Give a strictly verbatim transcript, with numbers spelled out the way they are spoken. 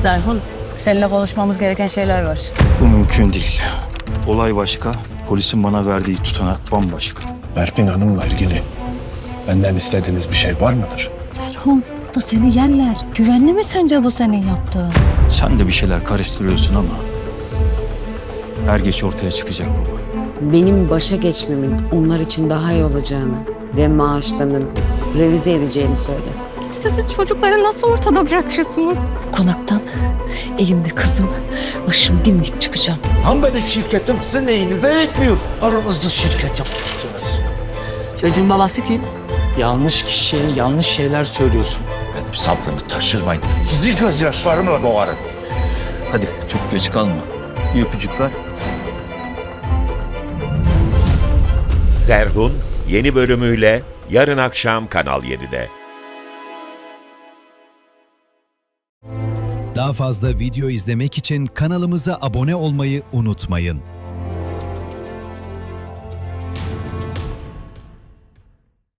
Zerhun, seninle konuşmamız gereken şeyler var. Bu mümkün değil. Olay başka, polisin bana verdiği tutanak bambaşka. Berfin Hanım'la ilgili benden istediğiniz bir şey var mıdır? Zerhun, bu da seni yerler. Güvenli mi sence bu senin yaptığın? Sen de bir şeyler karıştırıyorsun ama er geç ortaya çıkacak baba. Benim başa geçmemin onlar için daha iyi olacağını ve maaşlarının revize edeceğini söyle. Siz çocukları nasıl ortada bırakırsınız? Bu konaktan elimde kızım, başım dimdik çıkacağım. Ham benim şirketim sizin neyinize etmiyor. Aranızda şirket yapmışsınız. Çocuğun babası kim? Yanlış kişiye yanlış şeyler söylüyorsun. Benim sabrımı taşırmayın. Sizi gözyaşlarımla boğarım. Hadi çok geç kalma. Bir öpücük ver. Zerhun yeni bölümüyle yarın akşam Kanal yedide. Daha fazla video izlemek için kanalımıza abone olmayı unutmayın.